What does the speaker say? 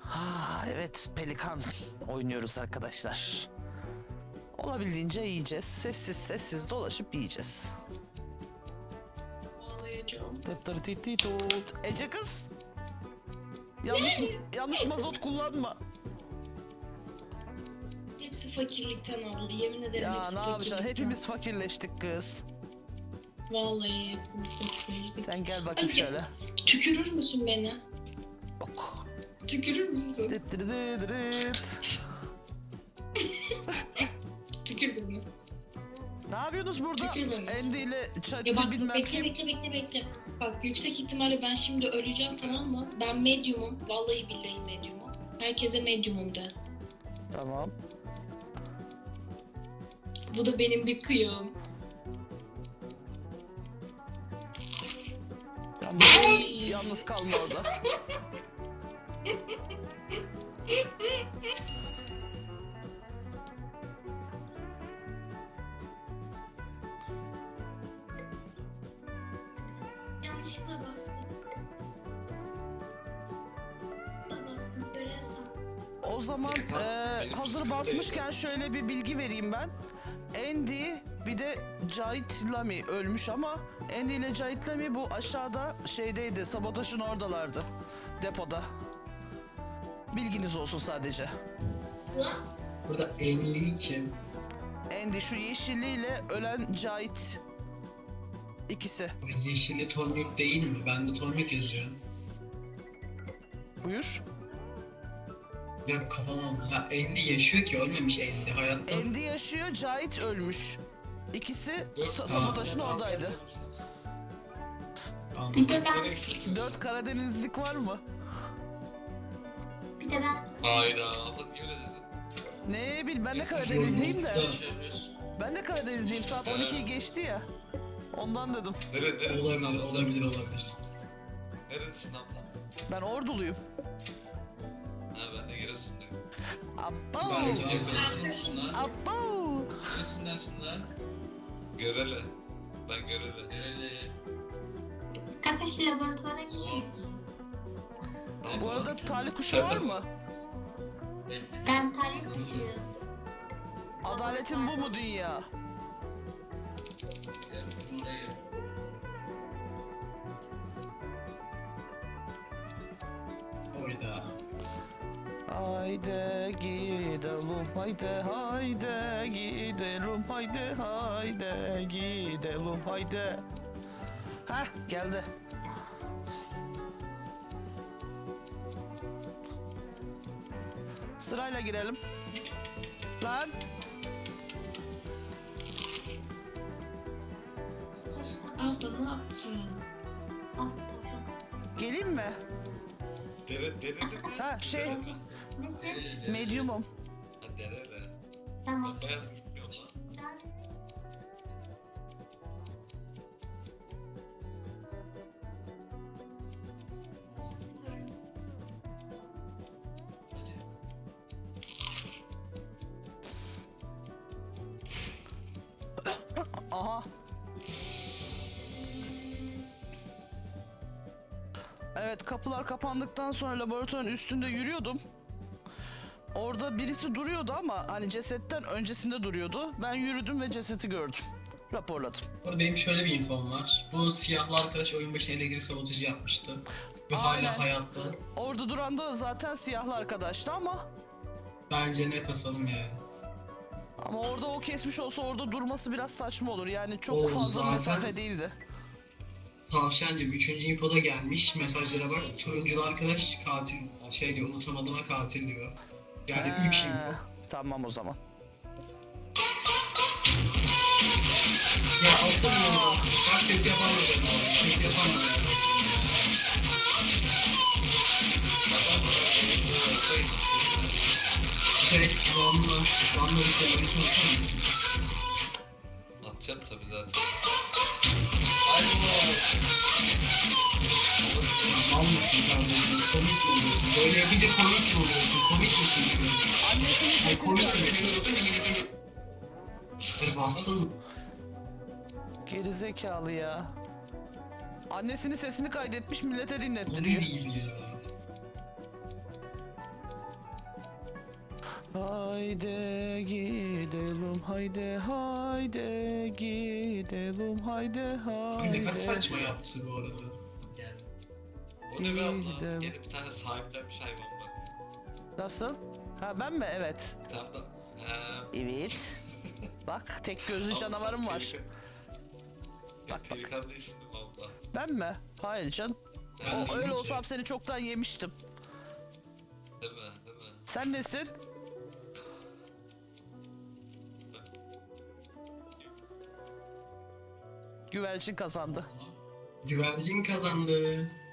Ha, evet, Pelikan oynuyoruz arkadaşlar. Olabildiğince yiyeceğiz. Sessiz sessiz dolaşıp yiyeceğiz. Ağlayacağım. Tıttırtıtıtut. Ece kız. Yanlış mazot kullanma. Hepsi fakirlikten oldu. Yemin ederim Ya hepsi ne yapacaksın? fakirlikten. Hepimiz fakirleştik kız. Vallahi hepimiz fakirleştik. Sen gel bakayım Ay, şöyle. Tükürür müsün beni? Ok. Tükürür müsün? Dıttırıdıdıdıt. Tükür beni. Ne yapıyorsunuz burada? Tükür beni. Andy ile Ya Chat'i bak bilmem bekle kim. bekle. Bak yüksek ihtimalle ben şimdi öleceğim, tamam mı? Ben medyumum. Vallahi billahi medyumum. Herkese medyumum de. Tamam. Bu da benim bir kıyım. Yalnız kalma orada. Yanlışlıkla bastım. Görev sağ. O zaman hazır basmışken şöyle bir bilgi vereyim ben. Andy bir de Cahit Lami ölmüş ama Andy ile Cahit Lami bu aşağıda şeydeydi, sabotajın oradalardı. Depoda. Bilginiz olsun sadece. Ulan Burada 50 kim? Andy şu yeşilliyle ölen Cahit. İkisi. O yeşilli tonluk değil mi? Bende tonluk yazıyor. Buyur. Ya kafam oldu. Ha 50 yaşıyor ki ölmemiş 50 hayatta. Andy yaşıyor, Cahit ölmüş. İkisi Dört- sabotajın oradaydı. bir de ben, 4 Karadenizlik var mı? bir de ben. Hayda, Allah niye öyle dedin? Ne bil, ben de Karadenizliyim de. Yollukta Ben de Karadenizliyim, saat 12'yi geçti ya. Ondan dedim. olabilir. Neredesin abla? Ben Orduluyum. Ha ben de Giresun'dayım. Abba! Ben de Giresun'dasın lan. Abba! Giresun'dasın lan. Görele. Ben Görele. Görele. Kanka şu laboratuvara gidiyoruz. Bu arada talih kuşu var mı? Ben talih kuşuyum. Adaletin bu mu dünya? Oyda. Haydi gidelim, haydi gidelim, haydi gidelim, haydi. Heh, geldi. Sırayla girelim. Lan, Abla ne yaptın? Ah, geleyim mi? Derele. Ha, şey, Nesin? medium'um. Ha derele. Tamam. Ben bayağı bilmiyorum lan. Aha. Evet, kapılar kapandıktan sonra laboratuvarın üstünde yürüyordum. Orada birisi duruyordu ama hani cesetten öncesinde duruyordu. Ben yürüdüm ve cesedi gördüm. Raporladım. Orada benim şöyle bir infom var. Bu siyahlı arkadaş oyun başına elektrik sabotajı yapmıştı. Ve Aynen. hala hayatta. Orada duran da zaten siyahlı arkadaştı ama Bence net asalım yani. orada o kesmiş olsa orada durması biraz saçma olur. Yani çok O fazla zaten- mesafe değildi. Tavşancım 3. infoda gelmiş mesajlara bak. Turunculu arkadaş katil şey diyor unutamadığıma katil diyor. Yani 3 He, info. tamam o zaman. Ya atamıyorum. Bak ses yapamadım. Ses yapamadım. Van'la bir selameti atar mısın? Atacağım tabii zaten. Ya mal mısın kardeşim? Komik mi oluyorsun? Böyle yapınca komik mi oluyorsun? Komik misin? Annesinin Ay sesini komik kaydetmiş. misin? Çıkar bastın. Geri zekalı ya. Annesinin sesini kaydetmiş, millete O dinlettiriyor. değil ya. Haydi gidelim, haydi haydi gidelim, haydi Ne kadar haydi. saçma yaptı bu arada. O ne be abla? Gidelim. Yeni bir tane sahiplenmiş hayvan bak. Nasıl? Ha ben mi? Evet. Bir tane de... Evet. Bak tek gözlü canavarım var. Bak, bak. Pelikan değilsin değil mi abla? Ben mi? Hayır can. Ben O değilim öyle ki. olsam seni çoktan yemiştim. Değil mi? Değil mi? Sen nesin? Güvercin kazandı. Güvercin kazandı.